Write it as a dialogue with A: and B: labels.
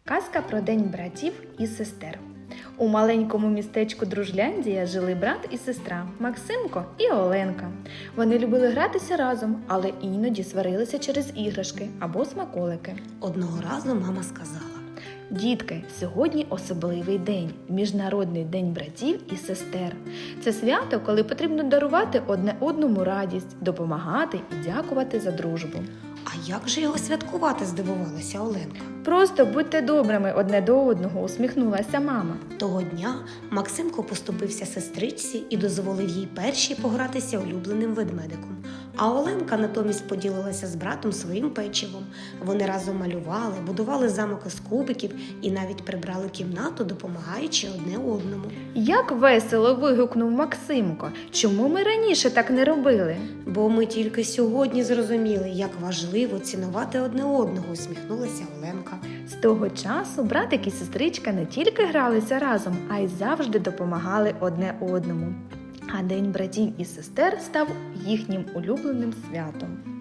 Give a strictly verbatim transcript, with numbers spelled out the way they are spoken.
A: Казка про День братів і сестер. У маленькому містечку Дружляндія жили брат і сестра Максимко і Оленка. Вони любили гратися разом, але іноді сварилися через іграшки або смаколики.
B: Одного разу мама сказала:
A: Дітки, сьогодні особливий день – Міжнародний день братів і сестер. Це свято, коли потрібно дарувати одне одному радість, допомагати і дякувати за дружбу.
B: А як же його святкувати, здивувалася Оленка.
A: Просто будьте добрими одне до одного, усміхнулася мама.
B: Того дня Максимко поступився сестричці і дозволив їй першій погратися улюбленим ведмедиком. А Оленка натомість поділилася з братом своїм печивом. Вони разом малювали, будували замок із кубиків і навіть прибрали кімнату, допомагаючи одне одному.
A: Як весело вигукнув Максимко. Чому ми раніше так не робили?
B: Бо ми тільки сьогодні зрозуміли, як важливо цінувати одне одного, усміхнулася Оленка.
A: З того часу братик і сестричка не тільки гралися разом, а й завжди допомагали одне одному. А День братів і сестер став їхнім улюбленим святом.